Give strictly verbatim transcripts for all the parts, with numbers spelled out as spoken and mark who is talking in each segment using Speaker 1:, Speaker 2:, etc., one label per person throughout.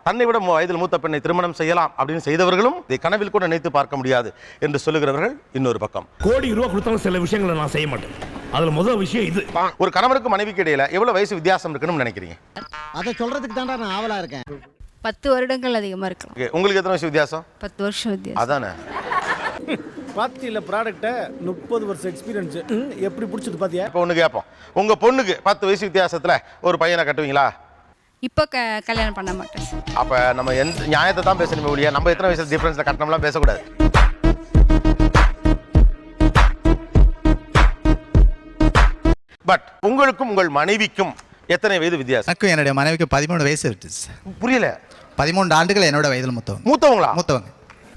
Speaker 1: தன்னை விட வயதில் மூத்த பெண்ணை திருமணம் செய்யலாம் அப்படின்னு செய்தவர்களும் இதை கனவில் கூட நினைத்து பார்க்க முடியாது என்று சொல்லுகிறவர்கள் இன்னொரு பக்கம்.
Speaker 2: கோடி ரூபாய் கொடுத்தாலும் சில விஷயங்களை நான் செய்ய மாட்டேன். அதுல முதல் விஷயம் இது.
Speaker 1: ஒரு கணவருக்கு மனைவிக்கு இடையில எவ்வளவு வயசு வித்தியாசம் இருக்குன்னு நினைக்கிறீங்க?
Speaker 3: அதை சொல்றதுக்கு தான்டா நான் ஆவலா இருக்கேன்.
Speaker 4: பத்து வருடங்கள் அதிகமா இருக்கலாம்.
Speaker 1: உங்களுக்கு எத்தனை வயசு வித்தியாசம்?
Speaker 4: பத்து வருஷம் வித்தியாசம்.
Speaker 1: அதானே.
Speaker 5: பாத்தியில ப்ராடக்ட்டை முப்பது வருஷம் எக்ஸ்பீரியன்ஸ் எப்படி பிடிச்சது பாத்தியா?
Speaker 1: இப்போ ஒன்று கேட்போம், உங்க பொண்ணுக்கு பத்து வயசு வித்தியாசத்துல ஒரு பையனை கட்டுவீங்களா?
Speaker 4: இப்போ க கல்யாணம் பண்ண மாட்டேன்.
Speaker 1: அப்ப நம்ம எந்த நியாயத்தை தான் பேசணுமே ஒழிய நம்ம எத்தனை வயசுல டிஃபரன்ஸ்ல கட்டணம்லாம் பேசக்கூடாது. பட் உங்களுக்கும் உங்கள் மனைவிக்கும் எத்தனை வயது வித்தியாசம்?
Speaker 6: எனக்கும் என்னுடைய மனைவிக்கு பதிமூணு வயசு விட்டுச்சு.
Speaker 1: புரியல.
Speaker 6: பதிமூன்று ஆண்டுகள் என்னோட வயதில் மூத்தவங்க.
Speaker 1: மூத்தவங்களா?
Speaker 6: மூத்தவங்க.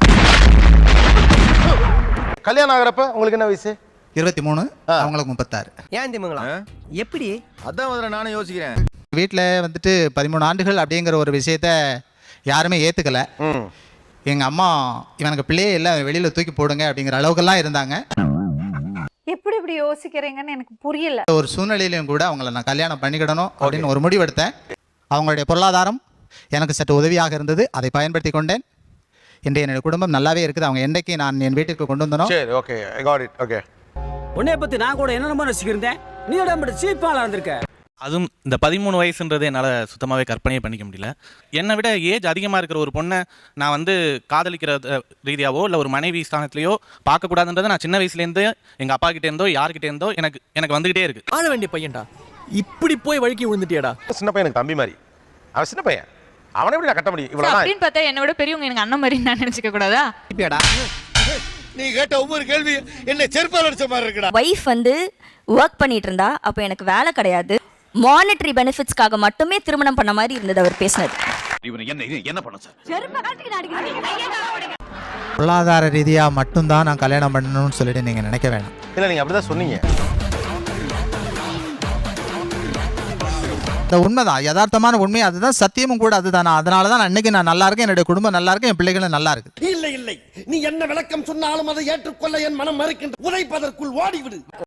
Speaker 1: கல்யாணம் ஆகிறப்ப உங்களுக்கு என்ன வயசு?
Speaker 6: இருபத்தி மூணு, அவங்களுக்கு முப்பத்தாறு.
Speaker 3: ஏன் திமுங்களா எப்படி?
Speaker 7: அதான் முதல்ல நானும் யோசிக்கிறேன்.
Speaker 6: வீட்டில் வந்துட்டு பதிமூணு ஆண்டுகள் அப்படிங்கிற ஒரு விஷயத்த யாருமே ஏற்றுக்கல. எங்கள் அம்மா இவனுக்கு பிள்ளையே இல்லை, வெளியில் தூக்கி போடுங்க அப்படிங்கிற அளவுக்கெல்லாம் இருந்தாங்க.
Speaker 8: எப்படி இப்படி யோசிக்கிறீங்கன்னு எனக்கு புரியல.
Speaker 6: ஒரு சூழ்நிலையிலையும் கூட அவங்கள நான் கல்யாணம் பண்ணிக்கிடணும் அப்படின்னு ஒரு முடிவெடுத்தேன். அவங்களுடைய பொருளாதாரம் எனக்கு சற்று உதவியாக இருந்தது, அதை பயன்படுத்தி கொண்டேன். இன்றைய என்னுடைய குடும்பம் நல்லாவே இருக்குது. அவங்க என்றைக்கு நான் என் வீட்டுக்கு கொண்டு வந்தனோ.
Speaker 1: சரி, okay, I got it. Okay.
Speaker 5: உன்னை பத்தி நான் கூட என்னென்னமோ ரசிக்கிறேன். நீ உடம்பு சீப்பால இருந்திருக்க.
Speaker 9: அதுவும் இந்த பதிமூணு வயசுன்றது என்னால் சுத்தமாகவே கற்பனையே பண்ணிக்க முடியல. என்னை விட ஏஜ் அதிகமாக இருக்கிற ஒரு பொண்ணை நான் வந்து காதலிக்கிற ரீதியாவோ இல்லை ஒரு மனைவி ஸ்தானத்துலையோ பார்க்கக்கூடாதுன்றதை நான் சின்ன வயசுலேருந்து எங்கள் அப்பா கிட்டே இருந்தோ யார்கிட்ட இருந்தோ எனக்கு எனக்கு வந்துகிட்டே இருக்கு.
Speaker 5: ஆள வேண்டிய பையன்டா, இப்படி போய் வழுக்கி விழுந்துட்டியாடா.
Speaker 1: சின்ன பையனுக்கு தம்பி மாதிரி, அவன் சின்ன பையன், அவனை எப்படி நான் கட்ட முடியும்? இவ்வளவு
Speaker 8: அப்படின்னு பார்த்தா என்னை விட பெரியவங்க எனக்கு அண்ணன் மாதிரி நான் நினைச்சுக்க கூடாதா?
Speaker 7: நீ கேட்ட ஒவ்வொரு கேள்வி என்ன செருப்பால் அடிச்ச மாதிரி இருக்குடா.
Speaker 10: வைஃப் வந்து ஒர்க் பண்ணிட்டு இருந்தா அப்போ எனக்கு வேலை கிடையாது, மானிட்டரி பெனிஃபிட்ஸ்க்காக மட்டுமே திருமணம் பண்ண மாதிரி இருந்தது அவர் பேசினது.
Speaker 6: பொருளாதார ரீதியாக மட்டும்தான் நான் கல்யாணம் பண்ணணும்னு சொல்லிட்டு நீங்கள் நினைக்க வேணாம்.
Speaker 1: இல்லை, நீங்கள் அப்படி தான் சொன்னீங்க.
Speaker 6: இந்த உண்மைதான், யதார்த்தமான உண்மை அதுதான், சத்தியமும் கூட அதுதான். அதனால தான் அன்னைக்கு நான் நல்லா இருக்கேன், என்னுடைய குடும்பம் நல்லா இருக்கு, என் பிள்ளைகளும் நல்லா இருக்கு.
Speaker 3: இல்லை இல்லை, நீ என்ன விளக்கம் சொன்னாலும் அதை ஏற்றுக்கொள்ள என் மனம் மறுக்கின்ற. உதைப்பதற்குள் ஓடிவிடு.